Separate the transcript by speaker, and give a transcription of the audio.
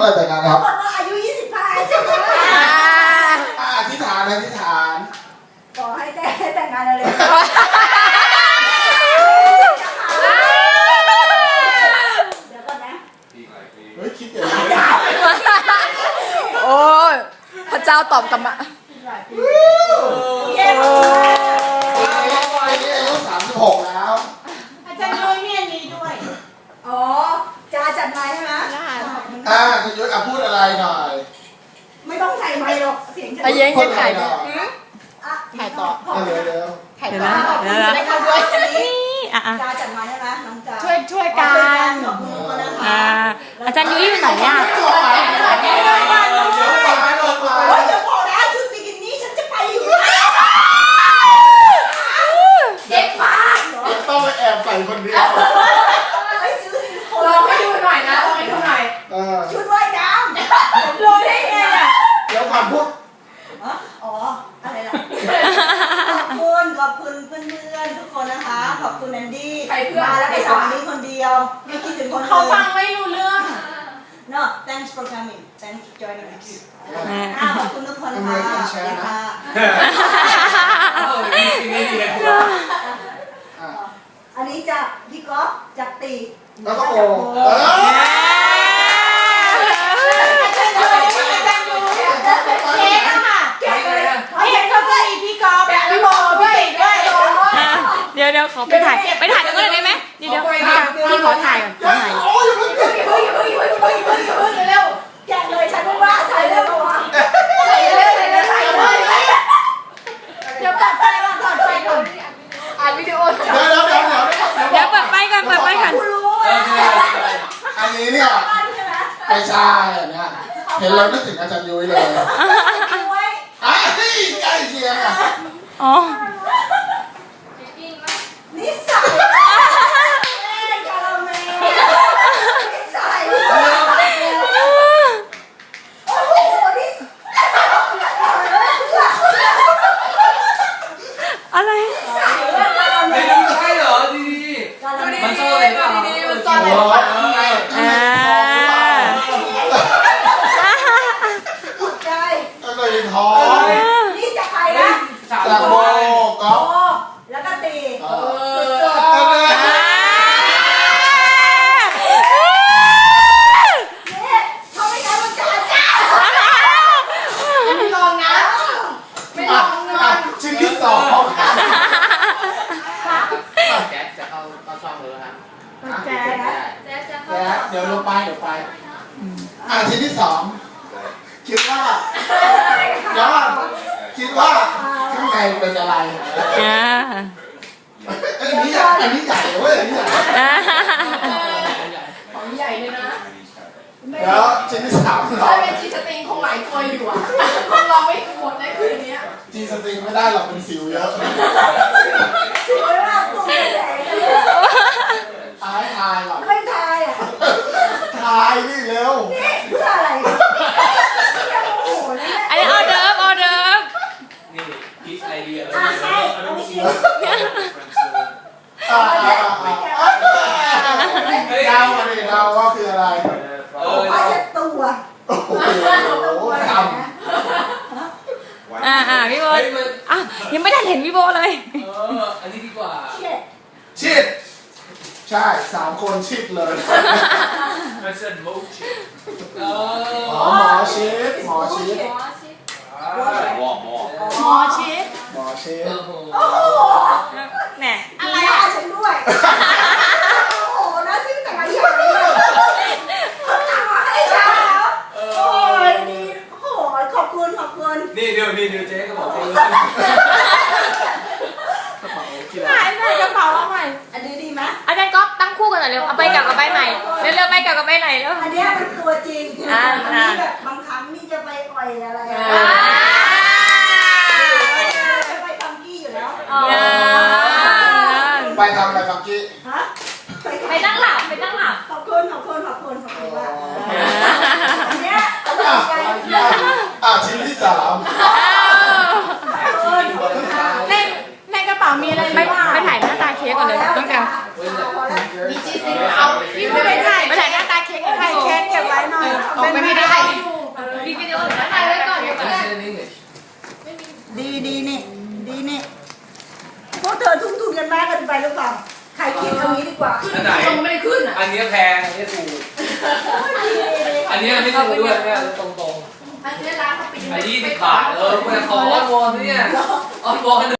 Speaker 1: อะไรแต่งงานครับ
Speaker 2: คนว่าอายุ25ใช่ไหม
Speaker 1: อธิษฐานอธิษฐาน
Speaker 2: ขอให้แต่งงานเร็วๆเดี๋ยวก่อนนะ
Speaker 1: เฮ้ยคิดอย่างนี้
Speaker 3: โอ้ยพระเจ้าตอบกลับมา
Speaker 2: เย้
Speaker 1: ปีนี้อายุ36แล้ว
Speaker 4: อาจารย์น้อยเนี่ยนี้ด้วย
Speaker 2: อ๋อจะจัดไม้ใช่ไหม
Speaker 1: คุณยุทธพูดอะไรหน่อย
Speaker 2: ไม่ต้องใส่ไม้หรอกเสียงจะ
Speaker 3: ไอ้เย้งยังถ่าย
Speaker 1: ห
Speaker 3: ด้
Speaker 1: น่
Speaker 3: ว
Speaker 1: อย ย
Speaker 3: ถ่ายต่อ
Speaker 1: เร็ว
Speaker 3: ถ่ายต่อเดี๋ยวนะ
Speaker 2: ได้เข้าด้วยวันนี้
Speaker 4: อ่ะ
Speaker 2: จะจัดไม้ใช่ไหมน้องจ๋า
Speaker 4: ช่วยกัน
Speaker 2: ขอบคุณทุกคนนะคะ
Speaker 4: อาจารย์ยุ้ยอยู่ไหนอ่ะ
Speaker 1: ๆไปเดี๋ยวไปลงมา
Speaker 2: โอ้ยจะบอกนะชุดบิกินี่ฉันจะไปอยู่เด็กมากเหรอ
Speaker 1: ต้องไปแอบใส่คนเดียว
Speaker 2: ไปซื้อซิลิโคน
Speaker 4: ลองให้ดูหน่อยนะลองให้ดูหน่อย
Speaker 2: ชุดว่ายน้
Speaker 4: รู้ได้ไงอ่ะ
Speaker 1: เดี๋ยวก่อนพูด
Speaker 2: ำอ๋ออะไรล่ะขอบคุณเพื่อนๆทุกคนนะคะขอบคุณแอนดี้มาแล้วไปสอนนี้คนเดียวไม่คิดถึงคนอื่น
Speaker 4: เขาฟังไม่รู้เรื่อง
Speaker 2: No thanks for coming thanks for joining us ขอบคุณทุกคนค่ะอันนี้จากพี่ก๊อฟจากตี
Speaker 1: แล้วก็โอ
Speaker 4: เค้กอะค่ะเค้กเขาจะมีพี่กอล์ฟพี่โบพี่เก่งด้วย
Speaker 3: เดี๋ยวขอไปถ่ายกันก่อนได้ไหมเดี๋ยวพี่ขอถ่ายก่อนขอถ่าย
Speaker 1: โอ้ยมันเกิด
Speaker 2: เร็วแกะเลยฉันว่าใส่เร็วกว่าใส่เลย
Speaker 4: เดี๋ยวตัดไฟก่อนตัดไฟก่อนอ่านวิดีโอ
Speaker 1: เดี๋ยว
Speaker 3: เปิดไฟก่อน
Speaker 2: คุณรู้
Speaker 1: อันนี้เนี่ย
Speaker 2: ใช่ไหม
Speaker 1: ไม่ใช่อันเนี้ยเห็นแล้วนึกถึงอาจารย์ยุ้ยเลย
Speaker 2: ไว้
Speaker 1: ใกล้เคียงอ่ะ
Speaker 3: อ๋อ
Speaker 2: นิสัยกาลเมนิสัยโอ้โหนิสัย
Speaker 3: อะไร
Speaker 5: ไม่รู้ใช่เหรอดี
Speaker 2: กาลเม
Speaker 5: มันซ่อนอะไรเปล่า
Speaker 3: มันซ่อนอะไร
Speaker 2: ถูกใจ
Speaker 1: ก็เลยท้อง
Speaker 2: นี่จะใครนะ
Speaker 1: จากโบก๊อ
Speaker 2: โอ้
Speaker 1: ฟ
Speaker 2: แล้วก็ตี นี่เขาไม่ใช่วันจันทร์จ้า
Speaker 4: ไม่ลองนะไม่ลองนอน
Speaker 1: ชิ้นที่สอง
Speaker 5: แก๊สจะเข้าช่องเลยครับ
Speaker 2: แจ๊นะ
Speaker 1: แล้วเดี๋ยวลงไปชิ้นที่สองคิดว่าเดี๋ยวคิดว่าข้างในเป็นอะไร อันนี้ใหญ่เว้ยอันนี้ใหญ่
Speaker 4: ของใหญ่เลยนะ
Speaker 1: แล้วชิ้นที่สามเรา
Speaker 4: ถ้าเป็นจีสติงคงหลายตัวอยู่อ่ะคงลองไม่หมดในคืนนี้
Speaker 1: จีสติงไม่ได้หรอกเป็นสิวเยอะ
Speaker 2: สวยมากตุ้มใหญ่
Speaker 1: ทายก่อน
Speaker 2: ไม่ทายอ่ะ
Speaker 1: ทายนี่เร็ว
Speaker 2: นี่เพื่ออะไรโอ้โหนี่
Speaker 3: อันนี้ออเดิร์ฟ
Speaker 5: นี่พีชไอเดีย
Speaker 2: ใช่เอาไปชิม
Speaker 1: เดาว่าคืออะไร
Speaker 2: เอาเช็ดตัว
Speaker 1: โอ้โหท
Speaker 3: พี่โบยังไม่ได้เห็นพี่โบเลย
Speaker 5: อันนี้ดีกว่า
Speaker 2: เช็ด
Speaker 1: ำชิดใช่3 คนชิดเลย
Speaker 5: มันเส้นโมชิ
Speaker 1: หมอชิด
Speaker 5: วอร์มอร์
Speaker 4: หมอชิด
Speaker 1: หมอชิด
Speaker 2: โอ้โห
Speaker 3: แหน่
Speaker 2: อะไรอ่ะฉันด้วยโอ้โหน่าซื้อแต่ละอย่างเลยเขาทำมาให้ฉันแล้วโอ้ยดีโอ้โหขอบคุณ
Speaker 5: นี่เดี๋ยวเจ๊ก็บอกเจ๊
Speaker 4: หายไปกระเป๋าเอาใหม่
Speaker 2: อันนี้ดีไหม
Speaker 3: อาจารย์ก๊อฟตั้งคู่กันหน่อยเร็ว เอาไปกับใบใหม่เร็วๆไปกับใบไหนเร็ว
Speaker 2: อันเนี้ยมันตัวจริงอันนี้แบบบางครั้งนี่จะไปอ่อยอะไรจะไปฟังกี้อยู่แล้ว
Speaker 1: ไปทำอะไรฟังกี้
Speaker 2: ฮะ
Speaker 3: ไปนั่งหลับ
Speaker 2: ขอบคุณว่าอันเนี้ยเอาใจ
Speaker 1: ชิ้นที่สาม
Speaker 4: ในกระเป๋ามีอะไร
Speaker 3: ไปถ่ายหน้าตาเค้กก่อนเลยต้องการ
Speaker 4: เอาพี่ไม่ไปถ่าย
Speaker 3: ไปถ่ายหน้าตาเค้ก
Speaker 4: ถ่ายแค่เก็บไว้หน่อยเป็นวิดี
Speaker 2: คิดเอางี้ดีกว่า
Speaker 5: อันไหน
Speaker 4: ลงไม่ได้ขึ้นอ่ะ
Speaker 5: อันนี้แพงอันนี้ถูกอันนี้ไม่ถูกด้วยเนี่ยตรง
Speaker 4: อันนี้ร้านเขาปิด
Speaker 5: ๆอันนี้20 บาทคุณจะขออ้อนวอนเนี่ยอ้อนวอน